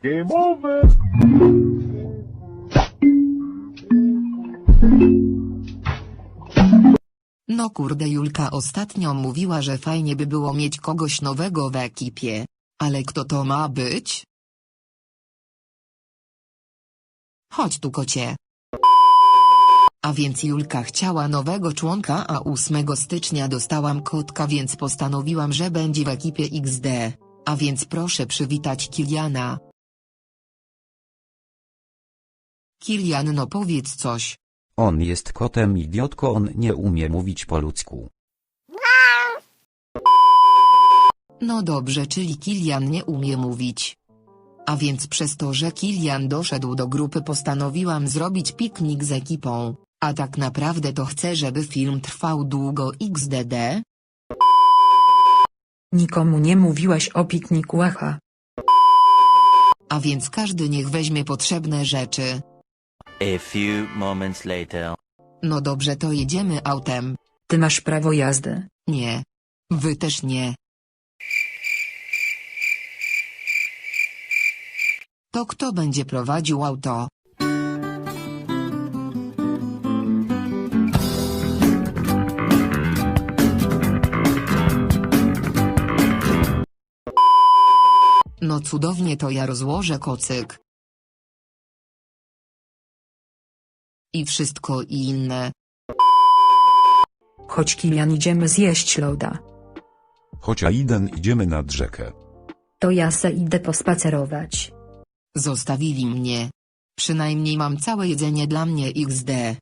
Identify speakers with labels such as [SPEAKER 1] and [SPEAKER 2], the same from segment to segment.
[SPEAKER 1] Game over!
[SPEAKER 2] No kurde, Julka ostatnio mówiła, że fajnie by było mieć kogoś nowego w ekipie. Ale kto to ma być? Chodź tu, kocie. A więc Julka chciała nowego członka, a 8 stycznia dostałam kotka, więc postanowiłam, że będzie w ekipie XD. A więc proszę przywitać Kiliana. Kilian, no powiedz coś.
[SPEAKER 3] On jest kotem, idiotko, on nie umie mówić po ludzku.
[SPEAKER 2] No dobrze, czyli Kilian nie umie mówić. A więc przez to, że Kilian doszedł do grupy, postanowiłam zrobić piknik z ekipą. A tak naprawdę to chcę, żeby film trwał długo XDD.
[SPEAKER 4] Nikomu nie mówiłaś o pikniku, aha.
[SPEAKER 2] A więc każdy niech weźmie potrzebne rzeczy.
[SPEAKER 5] A few moments later.
[SPEAKER 2] No dobrze, to jedziemy autem.
[SPEAKER 4] Ty masz prawo jazdy.
[SPEAKER 2] Nie. Wy też nie. To kto będzie prowadził auto? No cudownie, to ja rozłożę kocyk. I wszystko inne.
[SPEAKER 4] Chodź, Kilian, idziemy zjeść loda.
[SPEAKER 1] Chodź, Aiden, idziemy nad rzekę.
[SPEAKER 4] To ja se idę pospacerować.
[SPEAKER 2] Zostawili mnie. Przynajmniej mam całe jedzenie dla mnie XD.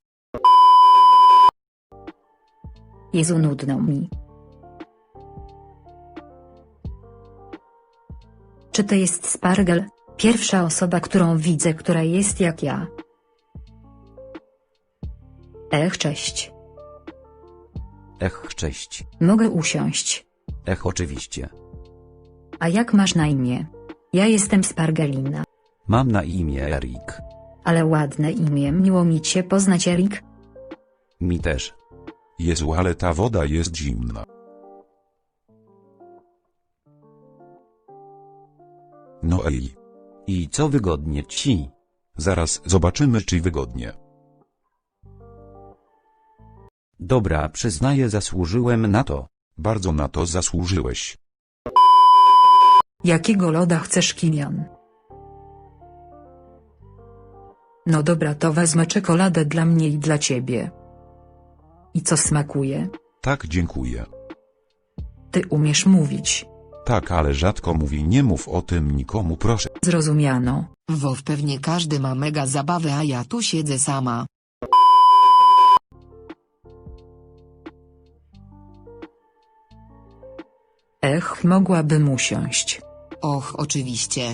[SPEAKER 4] Jezu, nudno mi. Czy to jest Spargel? Pierwsza osoba, którą widzę, która jest jak ja. Cześć.
[SPEAKER 3] Cześć.
[SPEAKER 4] Mogę usiąść.
[SPEAKER 3] Oczywiście.
[SPEAKER 4] A jak masz na imię? Ja jestem Spargelina.
[SPEAKER 3] Mam na imię Erik.
[SPEAKER 4] Ale ładne imię, miło mi cię poznać, Erik.
[SPEAKER 3] Mi też.
[SPEAKER 1] Jezu, ale ta woda jest zimna. No ej,
[SPEAKER 3] I co wygodnie ci?
[SPEAKER 1] zaraz zobaczymy, czy wygodnie.
[SPEAKER 3] Dobra, przyznaję, zasłużyłem na to.
[SPEAKER 1] Bardzo na to zasłużyłeś.
[SPEAKER 4] Jakiego loda chcesz, Kilian? No dobra, to wezmę czekoladę dla mnie i dla ciebie. I co smakuje?
[SPEAKER 1] Tak, dziękuję.
[SPEAKER 4] Ty umiesz mówić.
[SPEAKER 1] Tak, ale rzadko mówi, nie mów o tym nikomu, proszę.
[SPEAKER 4] Zrozumiano.
[SPEAKER 2] Wow, pewnie każdy ma mega zabawę, a ja tu siedzę sama.
[SPEAKER 4] Mogłabym usiąść.
[SPEAKER 2] Och, oczywiście.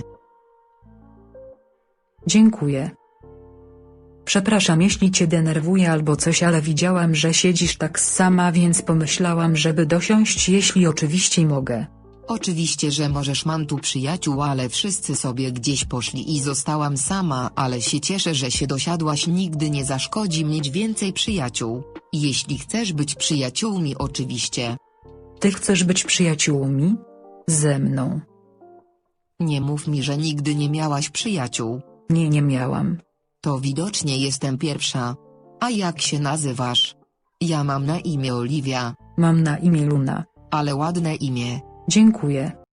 [SPEAKER 4] Dziękuję. Przepraszam, jeśli cię denerwuję albo coś, ale widziałam, że siedzisz tak sama, więc pomyślałam, żeby dosiąść, jeśli oczywiście mogę.
[SPEAKER 2] Oczywiście, że możesz, mam tu przyjaciół, ale wszyscy sobie gdzieś poszli i zostałam sama, ale się cieszę, że się dosiadłaś, nigdy nie zaszkodzi mieć więcej przyjaciół. Jeśli chcesz być przyjaciółmi, oczywiście.
[SPEAKER 4] Ty chcesz być przyjaciółmi? Ze mną.
[SPEAKER 2] Nie mów mi, że nigdy nie miałaś przyjaciół.
[SPEAKER 4] Nie, nie miałam.
[SPEAKER 2] To widocznie jestem pierwsza. A jak się nazywasz? Ja mam na imię Oliwia.
[SPEAKER 4] Mam na imię Luna.
[SPEAKER 2] Ale ładne imię.
[SPEAKER 4] Dziękuję.